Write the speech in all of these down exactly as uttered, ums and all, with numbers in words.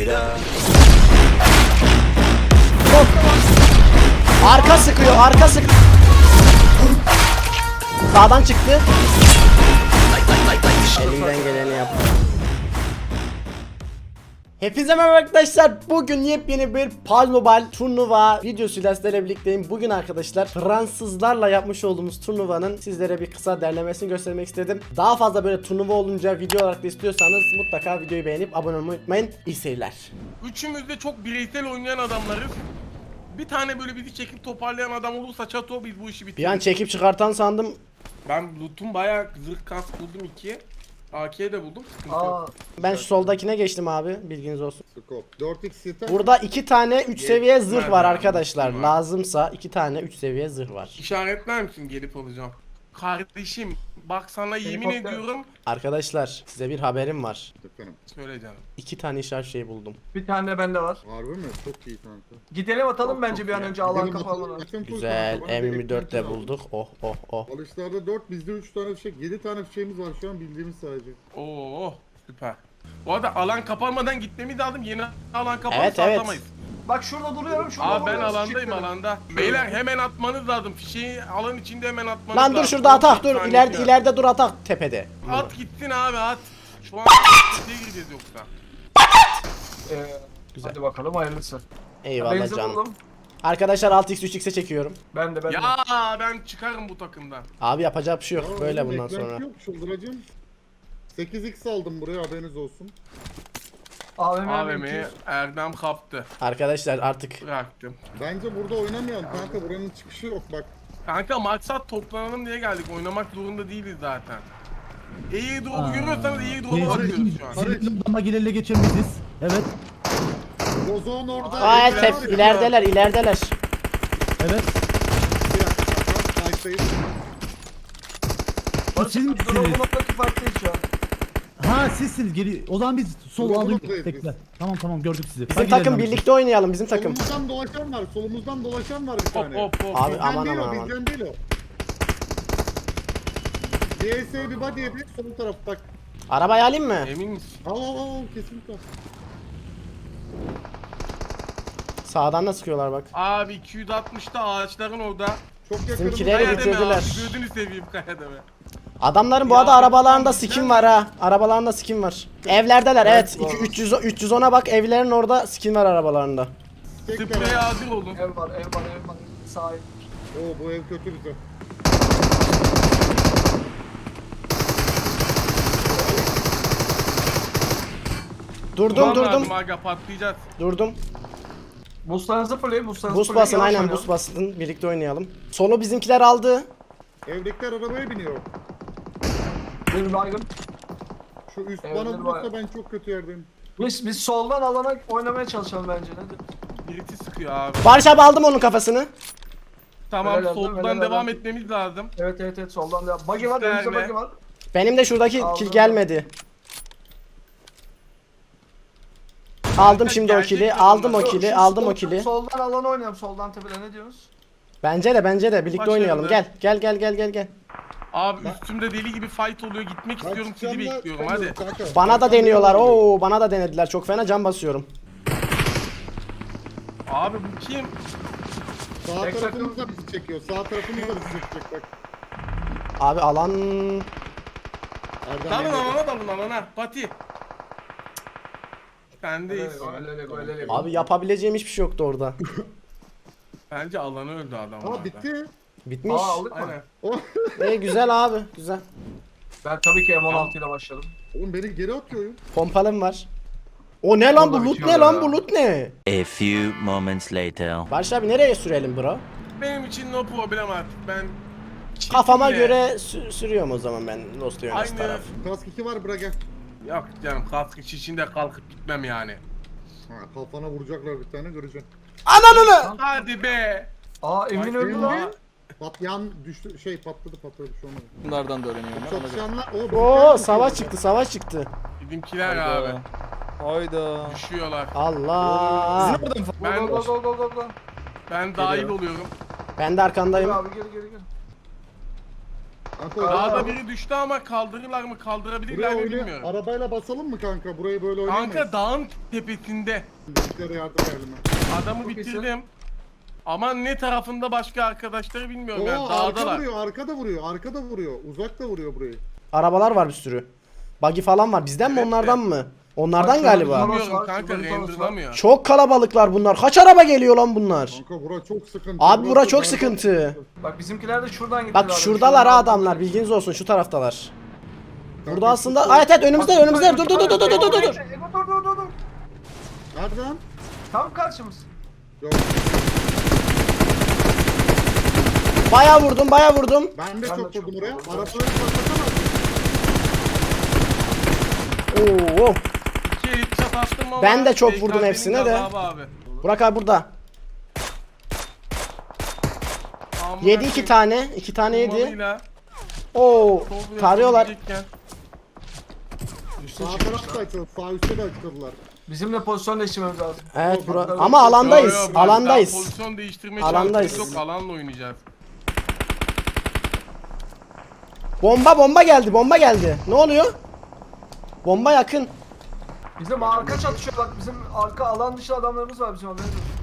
Arka sıkıyor, arka sık. Sağdan çıktı. Elimden geleni yaptım. Hepinize merhaba arkadaşlar. Bugün yepyeni bir P U B G Mobile turnuva videosuyla sizlerle birlikteyim. Bugün arkadaşlar Fransızlarla yapmış olduğumuz turnuvanın sizlere bir kısa derlemesini göstermek istedim. Daha fazla böyle turnuva olunca video olarak da istiyorsanız mutlaka videoyu beğenip abone olmayı unutmayın. İyi seyirler. Üçümüz de çok bireysel oynayan adamlarız. Bir tane böyle bizi çekip toparlayan adam olursa çato biz bu işi bitiririz. Bir an çekip çıkartan sandım. Ben loot'um bayağı zırh kask buldum iki. A K de buldum. Sıkıntı Aa, yok. Ben şu soldakine geçtim abi, bilginiz olsun. Scope. dört x yeter. Burada iki tane üç seviye zırh var Nerede? arkadaşlar. Var. Lazımsa iki tane üç seviye zırh var. İşaretler misin gelip alacağım? Kardeşim bak sana yemin Helikopter. ediyorum. Arkadaşlar size bir haberim var. Efendim. Söyle canım. İki tane işaret şey buldum. bir tane de bende var. Harbi mi? Çok iyi kanka. Gidelim atalım Çok bence çok bir an iyi. önce alan Gidelim kapanmadan. bakalım. Zaten full Güzel. kanka. Bana M yirmi dört de elektrikli bulduk. Oh oh oh. Alışlarda dört, bizde üç tane fişek, yedi tane fişeğimiz var şu an bildiğimiz sadece. Oo süper. Bu arada alan kapanmadan gitmemiz lazım. Yeni alan kapanırsa Evet, evet. atlamayız. Bak şurada duruyorum şurada Abi ben duruyorum, alandayım çıkıyorum. alanda. Beyler hemen atmanız lazım. Fişeği alan içinde hemen atmanız Lan lazım. dur şurada atak on dur. saniye İleride falan. ileride dur atak tepede. At gitsin abi at. Şu an ne gireceğiz yoksa. Ee, Güzel. Hadi bakalım hayırlısı. Eyvallah Benzin canım. buldum. Arkadaşlar altı x üç x'e çekiyorum. Ben de ben de. Ya ben çıkarım bu takımdan. Abi yapacak bir şey yok Ya böyle oğlum, bundan beklenti sonra. Yok çıldıracağım. sekiz x aldım buraya, haberiniz olsun. A V M A V M'yi mevki. Erdem kaptı. Arkadaşlar artık Bıraktım. Bence burada oynamayalım kanka, buranın çıkışı yok bak. Kanka maksat toplanalım diye geldik. Oynamak zorunda değiliz zaten. İyi drop'u görüyorsanız iyi drop'u alıyoruz şu an. Senin odama girelle geçemeyiz. Evet. Bozon orada. Aa evler tep var ya. ilerideler ilerideler. Evet. Bir dakika, kanka, kayıttayız. Bu siz Durumu misiniz? noktaki farklıyız şu an. Ha sizsiniz. Geri. O zaman biz sol Solumuz aldık. buradayız Tekrar. biz. Tamam tamam gördük sizi. Bizim Hadi takım gidelim birlikte oynayalım bizim takım. Solumuzdan dolaşan var, solumuzdan dolaşan var bir Hop tane. hop hop. Abi Bizden aman değil aman o, aman. bizden değil o. D S bir body yedi, sol taraf bak. Arabayı alayım mı? Emin misin? Al al al, kesinlikle. Sağdan da sıkıyorlar bak. Abi iki yüz altmışta ağaçların orada. Çok yakınım. Bizimkileri Kaya deme bitirdiler. abi. Gözünü seveyim kaya deme. Adamların bu Ya, arada arabalarında sen- skin var ha. Arabalarında skin var. Evlerdeler evet. Evet, İki- doğru. üç yüz üç yüz ona bak, evlerin orada skin var arabalarında. Spreye hazır olun. Ev var ev var ev var. Sahip. Oo, bu ev kötü bize. Durdum Ulan durdum. lazım Aga patlayacağız. Durdum. Boostlarınızı fırlayın boostlarınızı Boost fırlayın, basın yavaş aynen oynayalım. boost basın. Birlikte oynayalım. Solu bizimkiler aldı. Evdekiler arabaya biniyor. Bir baygın. Şu üst Evler bana var. vurursa ben çok kötü yerdeyim. Biz, biz soldan alana oynamaya çalışalım bence. Nedir? Birisi sıkıyor abi. Barış abi aldım onun kafasını. Tamam Öyle lazım, soldan öyle devam lazım. etmemiz lazım. Evet evet evet soldan devam. Buggy var önümüzde Gösterme. buggy var. Benim de şuradaki Aldım. kill gelmedi. Aldım şimdi o Gerçek kill'i. mi Aldım o bunlar? kill'i. Şu Aldım o sol- kill'i. Soldan alana oynayalım soldan tepede ne diyorsunuz? Bence de bence de birlikte Başarılı. oynayalım. Gel gel gel gel gel gel. Abi üstümde deli gibi fight oluyor. Gitmek Ben istiyorum sizi çıkacağım da bekliyorum hadi. çıkamıyorum kanka. Bana da Ben deniyorlar. çıkamıyorum. Oo bana da denediler. Çok fena can basıyorum. Abi bu kim? Sağ Tek tarafımız da bizi çekiyor. Sağ tarafımız da bizi çekecek bak. Abi alan Erdem Dalın Bey. alana dalın alana. Pati. Sendeyiz. Öyle öyle öyle öyle. abi yapabileceğim hiçbir şey yoktu orada. Bence alanı öldü adam. Aa, bitti. Bitmiş. Aa aldık mı? Aynen. Oh. İyi güzel abi. Güzel. Ben tabii ki M on altı ile başladım. Oğlum beni geri atıyor oyun. Pompalım var. O ne lan bu Orada loot bitiyor ne lan ya. bu loot ne? A few moments later. Barış abi nereye sürelim bro? Benim için no problem artık. Ben Kafama çekimle- göre sü- sürüyorum o zaman ben Lost Yönes Aynı- taraf. Kask iki var, bırak gel. Yok canım kask içinde kalkıp gitmem yani. Ha, kafana vuracaklar bir tane, göreceksin. Ananı! Hadi be. Aa Emin öldü Emin lan. mi? Patlayan düştü, şey patladı patladı bir şey olmadı. Bunlardan da öğreniyorum ben. ona göre. Çatışanlar, o Oo savaş çıktı savaş çıktı. Bizimkiler abi. Hayda. Hayda. Düşüyorlar. Allah. Go Ben go go go go go. ben dahil oluyorum. Ben de arkandayım. Gel abi gel gel gel. Kanka Dağda oraya, biri düştü ama kaldırırlar mı kaldırabilirler buraya mi oynay- bilmiyorum. arabayla basalım mı kanka? Burayı böyle oynayamayız. Kanka dağın tepesinde. Bizimkilere yardım edelim. Adamı Çok iyisin. bitirdim. Ama ne tarafında başka arkadaşları bilmiyorum Oo, yani arka dağdalar. vuruyor, arka da vuruyor, arka da vuruyor. Uzak da vuruyor burayı. Arabalar var bir sürü. Buggy falan var. Bizden mi Evet, onlardan mı? Onlardan Bak, galiba. şurada- Bilmiyorum var, kanka şurada bir tanesi renderlamıyor. Çok kalabalıklar bunlar. Kaç araba geliyor lan bunlar? Kanka bura çok sıkıntı. Abi Burası bura çok berbat. sıkıntı. Bak bizimkiler de şuradan gittiler. Bak abi. şuradalar ha Şuradan- adamlar. Bilginiz olsun şu taraftalar. Kanka, Burada aslında şu- evet evet önümüzde Bak, önümüzde. bak, Dur dur dur dur dur dur dur. Ego, dur dur dur dur. Nereden? Tam karşımız. Yok. Baya vurdum baya vurdum. Ben de Ben çok de çok vurdum oraya. vurdum. Arabaları patlatamaz mısın? Oo. İki elit çat attım ama Ben de çok B K vurdum B'nin hepsine de. gazabı Abi. Burak abi burada. Amına Yedi iki koyayım, tane. iki tane yedi. bombalıyla Oo. sol Tarıyorlar. yapabilecekken. Üstü Sağ çıkmışlar. taraf da açıldı, sağ üstte de açıldılar. Bizimle pozisyon değiştirmemiz lazım. Evet bura. Yok, Ama yok, alandayız. Yo, yo, ben Alandayız. daha pozisyon değiştirme Alandayız. şansımız yok. Alanla oynayacağız. Bomba bomba geldi. Bomba geldi. Ne oluyor? Bomba yakın. Bizim arka çatışıyor bak. Bizim arka alan dışı adamlarımız var bizim haberimiz yok.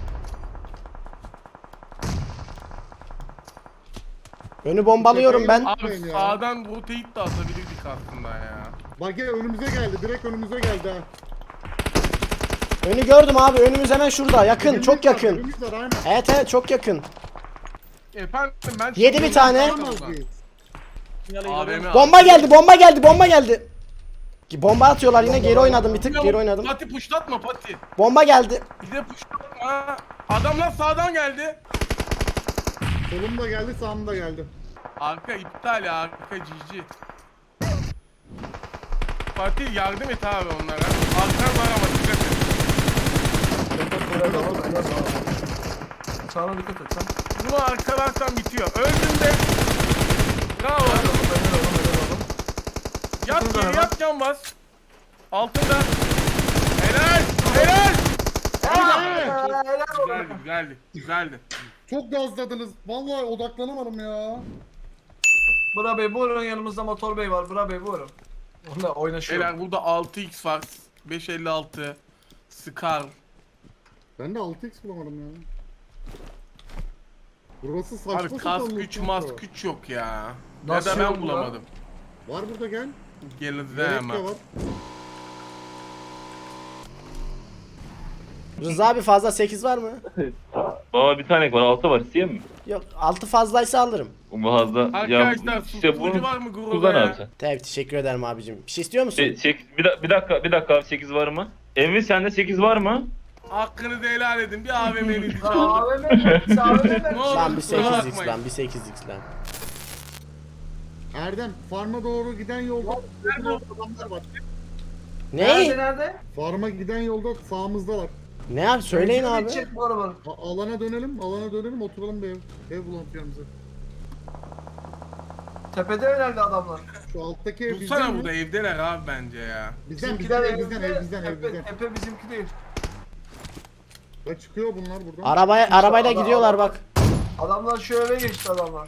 Önü bombalıyorum ben. Abi Yapmayın ya. sağdan rotate de atabilirdik aslında ya. Bak gel önümüze geldi, direkt önümüze geldi ha. Önü gördüm abi. Önümüz hemen şurada. Yakın. Dibimiz Çok var, yakın. dibimiz var, aynen. Evet evet çok yakın. Efendim ben... Yedi bir tane. Alamaz mıyız? A V M Bomba geldi. Bomba geldi. Bomba geldi. Ki bomba atıyorlar yine. Geri oynadım bir tık. Geri oynadım. Pati puşlatma Pati. Bomba geldi. Bir de puşlatma. Adamlar sağdan geldi. Solum da geldi, sağım da geldi. Arka iptal ya, arka cici. Fatih yardım et abi onlara. Arkan var ama dikkat et. Helal olsun, helal olsun. Sağına dikkat et sen. Bunu arkalarsan bitiyor. Öldün de. Bravo. Helal olsun, helal olsun, helal olsun. Yat Şurada geri hemen. yat can bas. Altında. Helal. Helal. Helal olsun. Güzeldi güzeldi. Güzeldi. Çok gazladınız. Vallahi odaklanamadım ya. Bura Bey buyurun, yanımızda Motor Bey var. Bura Bey buyurun. Onunla oynaşıyor. Beyler burada altı x var. beş elli altı. Scar. Ben de altı x bulamadım ya. Burası saçma Abi sapan kask loot güç kanka. mask güç yok ya. Ya Nasıl da ben yok lan? bulamadım. Var burada gel. Gelin Gerek de hemen. var. Rıza abi fazla sekiz var mı? Baba bir tane var, altı var, isteyeyim mi? Yok altı fazlaysa alırım. Bu fazla. Arkadaşlar ya, susturucu bunu var mı gruba kullan ya? abi sen. Tabii teşekkür ederim abicim. Bir şey istiyor musun? Şey, sek- bir, da- bir dakika, bir dakika abi, sekiz var mı? Emin sende sekiz var mı? Hakkınızı helal edin. Bir A V M'nizi Lan çaldım. A V M mi? Sen A V M mi? Ne olur Lan bir kusura sekiz x bakmayın. lan bir sekiz x lan. Erdem, farma doğru giden yolda adamlar var. Nerede Ne? nerede? Farma giden yolda sağımızdalar. Ne abi söyleyin Benzin abi. bitecek bu arabanın. A- alana dönelim, alana dönelim, oturalım bir ev. Ev bulalım yanımıza. Tepede herhalde adamlar. Şu alttaki ev Dursana bizden burada mi? evdeler abi bence ya. Bizden, Bizimkiler bizden, ev bizden, evde, ev bizden, ev Epe, bizden. Epe bizimki değil. Bak çıkıyor bunlar buradan. Arabaya arabayla adam- gidiyorlar adam- bak. Adamlar şu eve geçti adamlar.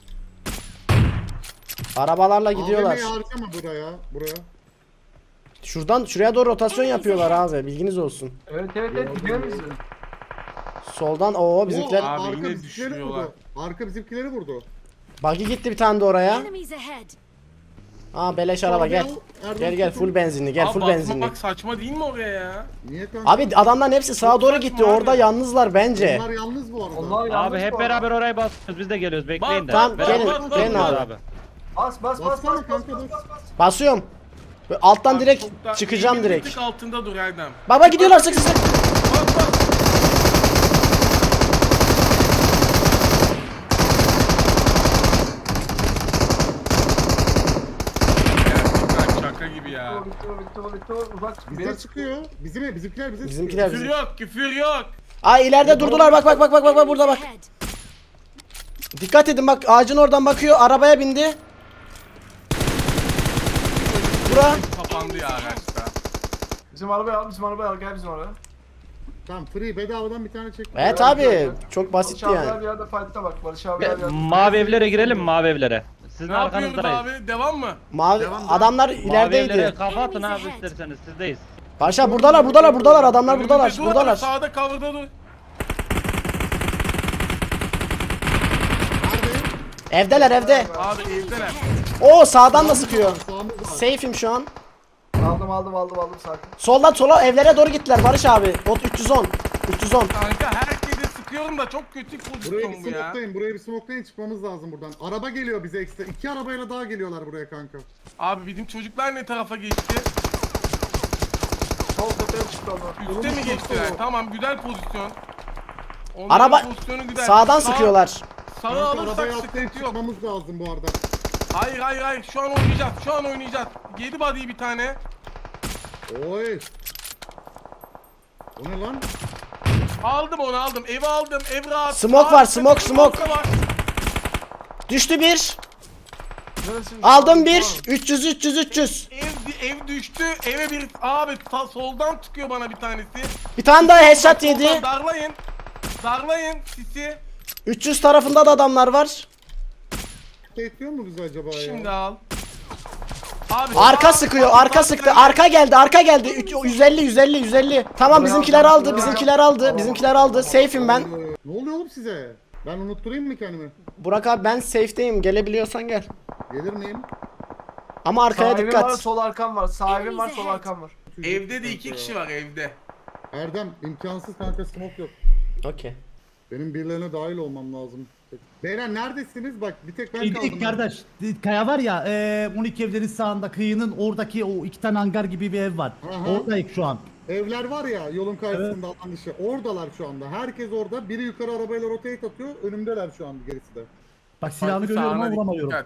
Arabalarla gidiyorlar. A V M'yi harcama buraya, buraya. Şuradan şuraya doğru rotasyon yapıyorlar abi. Bilginiz olsun. Evet evet evet gidiyor biz. Soldan o bizimkiler. Oo, Abi arka yine bizimkileri düşürüyorlar. vurdu. Arka bizimkileri vurdu. Buggy gitti bir tane de oraya. Enemies ahead. Aa beleş araba gel. Erdem Gel gel tutun. full benzinli gel Abi full basmak benzinli. saçma değil mi oraya ya? Niye kanka? Abi adamların hepsi sağa doğru gitti. saçma Orada abi. yalnızlar bence. Onlar yalnız bu arada. Onlar yalnız Abi hep bu beraber arada. oraya basıyoruz. Biz de geliyoruz. Bekleyin de. Tamam, Beraber gelin, basıyoruz gelin abi. Bas bas bas bas Bassana bas kanka, bas bas. bas bas. Basıyorum. Böyle alttan Abi direkt çok da- çıkacağım eğimin bir direkt. tık altında dur Erdem. Baba gidiyorlar sık sık. Bak bak. Gerçekten şaka gibi ya. Bitti o, bitti o, bitti o, bitti o. Uzak. Bizden Beni çıkıyor. Bizim ev, bizimkiler bize Bizimkiler Küfür bizim. yok, küfür yok. Aa ileride durdular bak bak bak bak bak bak burada bak. Ahead. Dikkat edin bak ağacın oradan bakıyor. Arabaya bindi. Bura. Kapandı ya araçta. Bizim arabaya al, bizim arabaya al, gel bizim arabaya. Tamam free bedavadan bir tane çek. Evet abi çok basitti Barış abiler yani. bir yerde fight'ta bak, Barış abiler bir yerde. Mavi evlere girelim mi? Mavi evlere. Sizin Ne yapıyoruz arkanızdayız. abi? Devam mı? Mavi Devam, devam. adamlar Mavi evlere ilerideydi. kafa atın abi isterseniz sizdeyiz. Paşa buradalar buradalar buradalar adamlar Önümüzde buradalar dur abi, buradalar. Sağda cover'da dur. Evdeler evde. Abi evdeler. Oo sağdan da sıkıyor. Sağımız var. Safe'im şu an. Aldım aldım aldım aldım sakin. Soldan sola evlere doğru gittiler Barış abi. Bot üç yüz on. üç yüz on. Kanka herkese sıkıyorum da çok kötü Buraya pozisyon bir bu ya. smoklayın, buraya bir smoklayın çıkmamız lazım buradan. Araba geliyor bize ekstra. İki arabayla daha geliyorlar buraya kanka. Abi bizim çocuklar ne tarafa geçti? Sol tepeye çıktı onlar. Üste mi geçtiler? Tamam güzel pozisyon. Onların Araba pozisyonu güzel. sağdan Sağ- sıkıyorlar. Sağı Kanka alırsak arabaya atlayıp sıkıntı yok. çıkmamız lazım bu arada. Hayır hayır hayır şu an oynayacağız. Şu an oynayacağız. Yedi body'yi bir tane. Oy. O ne lan? Aldım onu aldım. Evi aldım. Ev rahat. Smoke Sağ- var, smoke, smoke. da var. Düştü bir. Neresi? Aldım bir. üç yüz üç yüz üç yüz. Ev, ev düştü. Eve bir abi ta- soldan çıkıyor bana bir tanesi. Bir tane daha headshot Soldan yedi. Darlayın. Darlayın sisi. üç yüz tarafında da adamlar var. Bekliyor mu bizi acaba ya? Şimdi al. Abi Arka sağ- sıkıyor, sağ- arka sağ- sıktı. Arka geldi, arka geldi. Üç- yüz elli yüz elli yüz elli. Tamam bizimkiler aldı, bizimkiler aldı, bizimkiler aldı. Safe'im ben. Ee, Ne oluyor oğlum size? Ben unutturayım mı kendimi? Burak abi ben safe'deyim. Gelebiliyorsan gel. Gelir miyim? Ama arkaya Sağ evim var, dikkat. sol arkam var. Sağ evim var, sol arkam var. Evde de iki kişi var evde. Erdem imkansız kanka smoke yok. Okey. Benim birilerine dahil olmam lazım. Beyler neredesiniz? Bak bir tek ben İlk kaldım. kardeş kaya var ya e, on iki evlerin sağında kıyının oradaki o iki tane hangar gibi bir ev var. Aha. Oradayız şu an. Evler var ya yolun karşısında alan dışı. Oradalar şu anda. Herkes orada. Biri yukarı arabayla rotate atıyor. Önümdeler şu an gerisi de. Bak silahını Farklı görüyorum ama sahne vuramıyorum. dikkat.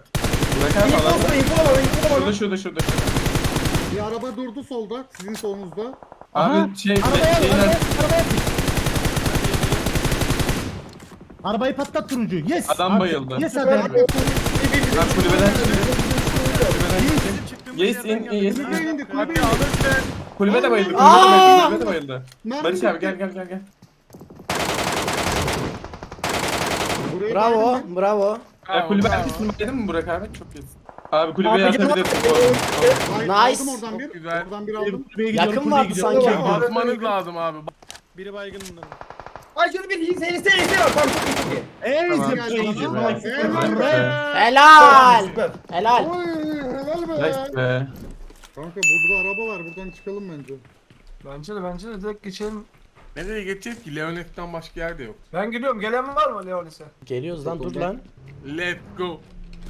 Şurada şurada şurada. Bir araba durdu solda. Sizin solunuzda. Abi şey Arabaya şeyler. arabaya arabaya Arabayı patlat turuncu. Yes. Adam Abi, bayıldı. Yes hadi. Ben kulübeden çıktım. Yes in in yes Kulübeye in. indi. Kulübeye Hadi indi. alırsın. Kulübe de bayıldı. Kulübe de Aa! bayıldı. Kulübe de bayıldı. Mermi Barış abi bitti. gel gel gel gel. Buraya Bravo, geldim bravo. Ya kulübe arkasını baydın mı Burak abi? Çok iyisin. Abi kulübeye atabilirsin bu arada. ben. Ay, Nice. Aldım oradan bir. Güzel. Oradan bir aldım. Kulübeye gidiyorum, Yakın kulübeye vardı gidiyorum. sanki. Kulübeye gidiyorum. Basmanız lazım abi. Ay şöyle bir iyisi iyisi iyisi var. Tamam çok iyi çok iyi. Ey Geldi zıplayıcı. bana. Bak, Helal. Helal. Helal. Oy helal be. Nice be. Kanka burada araba var. Buradan çıkalım bence. Bence de bence de direkt geçelim. Nereye geçeceğiz ki? Leonet'ten başka yerde yok. Ben gidiyorum. Gelen var mı Leonis'e? Geliyoruz lan dur lan. Let's go.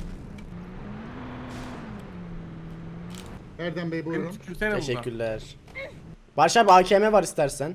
Erdem Bey Beni buyurun. tükürsene buradan. Teşekkürler. Barış abi A K M var istersen.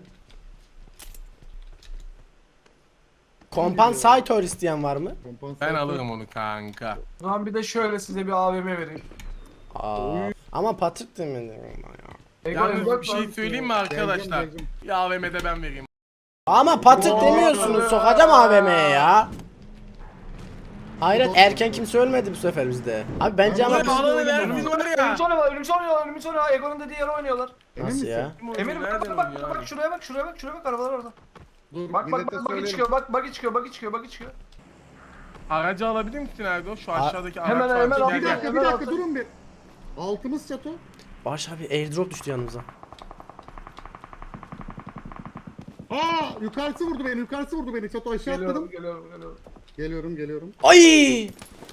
Kompansatör isteyen var mı? Kompansatör. Ben alırım onu kanka. Ulan bir de şöyle size bir A V M vereyim. Aa. Ama Patrick de mi? Ego Yalnız bak bir şey söyleyeyim mi arkadaşlar? Geleceğim, geleceğim. Ya A V M'de ben vereyim. Ama Patrick demiyorsunuz. Sokacağım A V M'ye ya. Hayret erken kimse ölmedi bu sefer bizde. Abi bence ama Ulan bağlanı ver biz var ya. Ölümsü oynuyorlar, ölümsü oynuyorlar, ölümsü oynuyorlar. Ego'nun dediği yere oynuyorlar. Emin nasıl misin? ya? Eminim bak bak bak, bak şuraya bak şuraya bak şuraya bak arabalar orada. Dur, Bak bak millete bak bak söylerim. çıkıyor bak bak çıkıyor bak çıkıyor bak çıkıyor. Aracı alabilir misin Erdo? Şu aşağıdaki araç Hemen, var. hemen Gel, al. Bir gel. dakika bir Hemen dakika altı. durun bir. Altımız çato. Barış abi airdrop düştü yanımıza. Aa yukarısı vurdu beni yukarısı vurdu beni çato aşağı Geliyorum atladım. geliyorum geliyorum. Geliyorum geliyorum. Ay!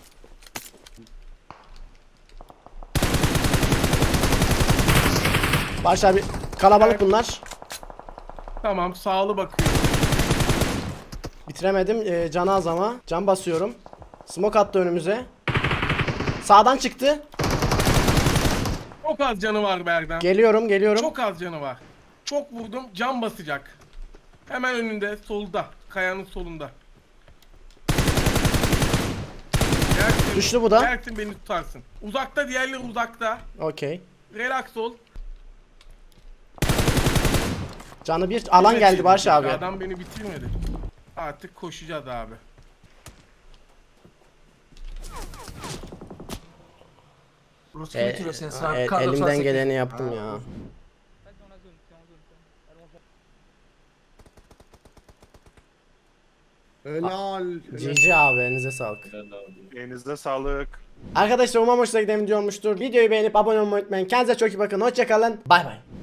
Barış abi kalabalık bunlar. Tamam sağlı bakıyor. Bitiremedim. Ee, canı az ama. Can basıyorum. Smoke attı önümüze. Sağdan çıktı. Çok az canı var Berden. Geliyorum, geliyorum. Çok az canı var. Çok vurdum can basacak. Hemen önünde solda. Kayanın solunda. Gelsin. Düştü bu da. Gelsin beni tutarsın. Uzakta diğerleri uzakta. Okey. Relax ol. Canı bir alan Evet, geldi Barış abi. Adam beni bitirmedi. Artık koşacağız abi. Rus E, bitiriyor seni sen. e- Kar elimden doksan sekiz. geleni yaptım ya. Helal. G G abi elinize sağlık. Elinizde sağlık. Arkadaşlar umarım hoşuna giden video olmuştur. Videoyu beğenip abone olmayı unutmayın. Kendinize çok iyi bakın. Hoşçakalın. Bay bay.